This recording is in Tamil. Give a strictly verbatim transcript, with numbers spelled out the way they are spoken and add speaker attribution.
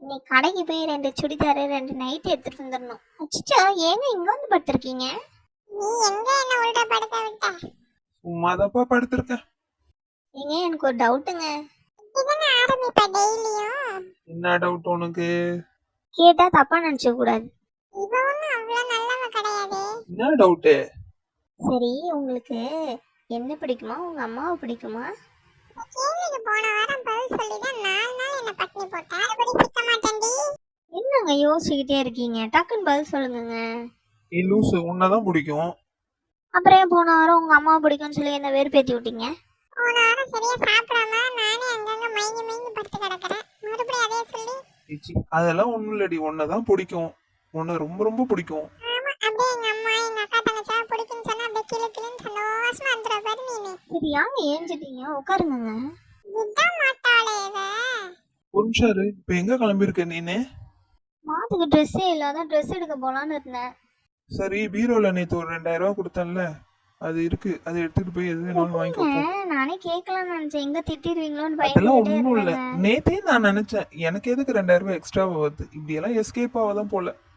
Speaker 1: இன்னைக்கு கடைக்கு போய் ரெண்டு சுடிதாரு ரெண்டு நைட் எடுத்துட்டு வந்துடணும். அச்சோ, ஏங்க இங்க வந்து படுத்திருக்கீங்க?
Speaker 2: நீ எங்க என்ன உள்டா படுக்க விட்ட?
Speaker 3: சும்மாதாப்பா படுத்திருக்கேன்.
Speaker 1: ஏங்க எனக்கு ஒரு டவுட்டுங்க.
Speaker 2: இதுதானே ஆரம்பிப்ப டெய்லியும்.
Speaker 3: என்ன டவுட் உனக்கு?
Speaker 1: கேட்டா தப்பா நினைச்ச கூடாது.
Speaker 2: இவ ஒண்ணும் அவ்வளவு நல்லவ கிடையாது.
Speaker 3: என்ன டவுட்டு?
Speaker 1: சரி, உங்களுக்கு என்ன பிடிக்குமா, உங்க அம்மாவை பிடிக்குமா?
Speaker 2: இந்த கேள்விக்கு போன வாரம் பதில் சொல்லிதான் நாலு நாள் என்ன பட்டினி போட்ட. அப்படி சிக்க மாட்டேன்டி.
Speaker 1: என்னங்க யோசிச்சுக்கிட்டே இருக்கீங்க? டக்குன்னு பதில் சொல்லுங்கங்க.
Speaker 3: நீ லூசு, உன்னதான் பிடிக்கும்.
Speaker 1: அப்புறம் ஏன் போன வாரம் உங்க அம்மாவை பிடிக்கும்னு சொல்லி என்ன வெறுப்பேத்தி விட்டீங்க?
Speaker 2: போன வாரம் சரியா சாப்பிடாம நானே அங்கங்க மயங்கி மயங்கி படுத்து கிடக்குறேன். மறுபடியும் அதே சொல்லி.
Speaker 3: ஏச்சி, அதெல்லாம் ஒண்ணும் இல்லடி, உன்னதான் பிடிக்கும். உன்னை ரொம்ப ரொம்ப பிடிக்கும்.
Speaker 2: ஆமா, அப்படியே எங்க அம்மா எங்க அக்கா தங்கச்சா பிடிக்குன்னு சொன்னா அப்படியே கிளு கிளுன்னு சந்தோஷமா வந்துடுற பாரு நீனு.
Speaker 1: சரி, யாங்க ஏஞ்சிட்டீங்க? உட்காருங்க.
Speaker 2: விட மாட்டாளே இவ.
Speaker 3: ஒரு நிமிஷம் இரு, இப்ப எங்க கிளம்பியிருக்க நீனு?
Speaker 1: மாத்துக்கு ட்ரெஸ்ஸே இல்லாத ட்ரெஸ் எடுக்க போலான்னு இருந்தேன்.
Speaker 3: சரி, பீரோல நேத்து ஒரு ரெண்டாயிரம் ரூபாய் கொடுத்தேன்ல, அது இருக்கு, அதை எடுத்துட்டு போய் எது வேணாலும் வாங்கிக்கோ போ.
Speaker 1: ஏங்க, நானே கேட்கலாம்னு நினைச்சேன். எங்க திட்டிடுவீங்களோன்னு
Speaker 3: அதெல்லாம்
Speaker 1: பயந்துட்டே
Speaker 3: ஒண்ணும் இல்ல.
Speaker 1: இருந்தேங்க.
Speaker 3: நேத்தே நான் நினைச்சேன் எனக்கு எதுக்கு ரெண்டாயிரம் ரூபாய் எக்ஸ்ட்ரா வருது, இப்படி எல்லாம் எஸ்கேப் ஆகாதான் போல.